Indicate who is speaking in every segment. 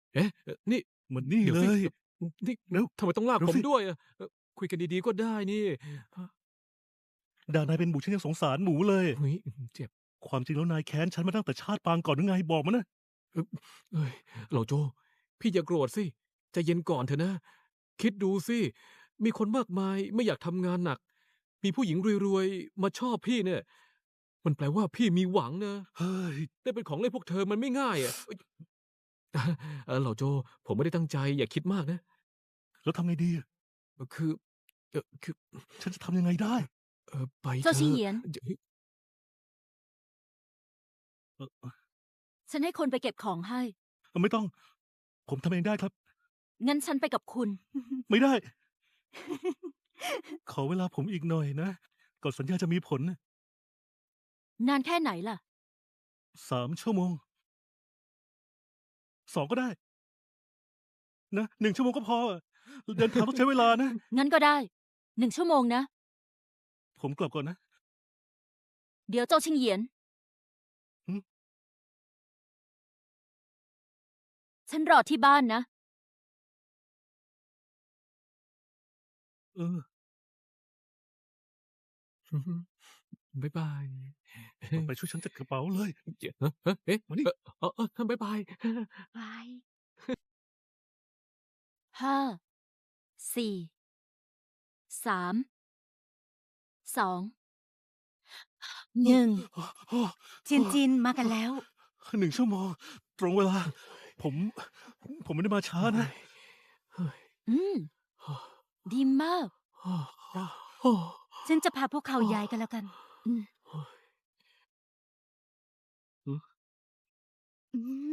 Speaker 1: เอ๊ะนี่
Speaker 2: มันนี่
Speaker 1: เดี๋ยวสิ
Speaker 2: เลย
Speaker 1: นี่
Speaker 2: เร็ว
Speaker 1: ทำไมต้องลาก
Speaker 2: เร็วสิ
Speaker 1: ผมด้วยอะคุยกันดีๆก็ได้นี่
Speaker 2: ด่านายเป็นหมูฉันยังสงสารหมูเลย
Speaker 1: เฮ้ยเจ็บ
Speaker 2: ความจริงแล้วนายแค้นฉันมาตั้งแต่ชาติปางก่อนหรือไงบอกมานะ
Speaker 1: เอ้ยเอ้ยเหล่าโจพี่อย่าโกรธสิใจเย็นก่อนเถอะนะคิดดูสิมีคนมากมายไม่อยากทำงานหนักมีผู้หญิงรวยๆมาชอบพี่เนี่ยมันแปลว่าพี่มีหวังนะ
Speaker 2: เฮ้ย
Speaker 1: ได้เป็นของเล่นพวกเธอมันไม่ง่ายอะเอ้ยเหล่าโจผมไม่ได้ตั้งใจอย่าคิดมากนะ
Speaker 2: แล้วทำไงดีอะ
Speaker 1: คือคือ
Speaker 2: ฉันจะทำยังไงได้
Speaker 1: ไป
Speaker 3: เจ้า
Speaker 1: เถอะ
Speaker 3: ชิงเหยียน
Speaker 1: เฮ้ย
Speaker 2: เอ
Speaker 3: ฉันให้คนไปเก็บของให้
Speaker 2: ไม่ต้องผมทำเองได้ครับ
Speaker 3: งั้นฉันไปกับคุณ
Speaker 2: ไม่ได้ขอเวลาผมอีกหน่อยนะก่อนสัญญาจะมีผลน่ะ
Speaker 3: นานแค่ไหนล่ะ
Speaker 2: 3 ชั่วโมง2ก็ได้นะ1 ชั่วโมงก็พออะเดินทางต้องใช้เวลานะ
Speaker 3: งั้นก็ได้ 1 ชั่วโมงนะ
Speaker 2: ผมกลับก่อนนะ
Speaker 3: เดี๋ยวเจ้าชิงเหยียน
Speaker 2: หือ
Speaker 3: ฉันรอที่บ้านนะ
Speaker 2: เออ
Speaker 1: บ๊ายบาย
Speaker 2: ต่อไปช่วยฉันจัดกระเป๋าเลย
Speaker 1: เอ๊ะ
Speaker 2: มานี่
Speaker 1: บ๊ายบาย
Speaker 3: ไป 5 4 3 2 1จินจินมากันแล้ว
Speaker 2: 1 ชั่วโมงตรงเวลาผมผมไม่ได้มาช้านะ
Speaker 3: อืม ดีมาก ฉันจะพาพวกเขาย้ายกันแล้วกัน อืม อืม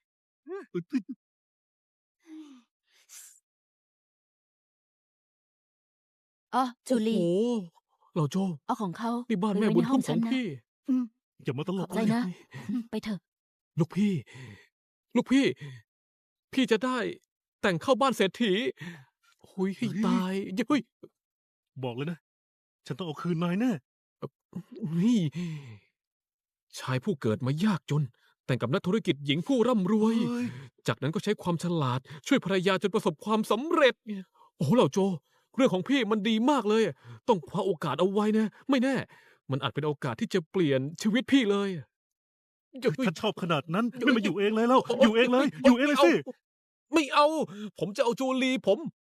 Speaker 3: อ๋อจู
Speaker 1: โอ้โห
Speaker 3: ลี
Speaker 1: เหล่าโจ
Speaker 3: เอาของเขา
Speaker 1: นี่บ้าน
Speaker 3: ไป
Speaker 1: แม่
Speaker 3: ไว้ในห้
Speaker 1: บุญทุ่มข
Speaker 3: องฉันนะ
Speaker 1: องพี่
Speaker 3: อืม
Speaker 2: อย่ามาตล
Speaker 3: ขอบใจ
Speaker 2: กเลย
Speaker 3: นะ ไปเถอะ
Speaker 1: ลูกพี่ ลูกพี่ พี่จะได้แต่งเข้าบ้านเศรษฐีหุยให้
Speaker 2: เฮ้ย
Speaker 1: ตายเฮ้ย
Speaker 2: บอกเลยนะ ฉันต้องเอาคืนนายแน่
Speaker 1: นี่ชายผู้เกิดมายากจน แต่งกับนักธุรกิจหญิงผู้ร่ำรวย
Speaker 2: เฮ้ย
Speaker 1: จากนั้นก็ใช้ความฉลาด ช่วยภรรยาจนประสบความสำเร็จ โอ้โหเหล่าโจ เรื่องของพี่มันดีมากเลย ต้องคว้าโอกาสเอาไว้นะ ไม่แน่ มันอาจเป็นโอกาสที่จะเปลี่ยนชีวิตพี่เลยเฮ้ย
Speaker 2: ถ้าชอบขนาดนั้นไม่มาอยู่เองเลยแล้ว อยู่เองเลย อยู่เองเลยสิ
Speaker 1: ไม่เอา ผมจะเอาจูลีผม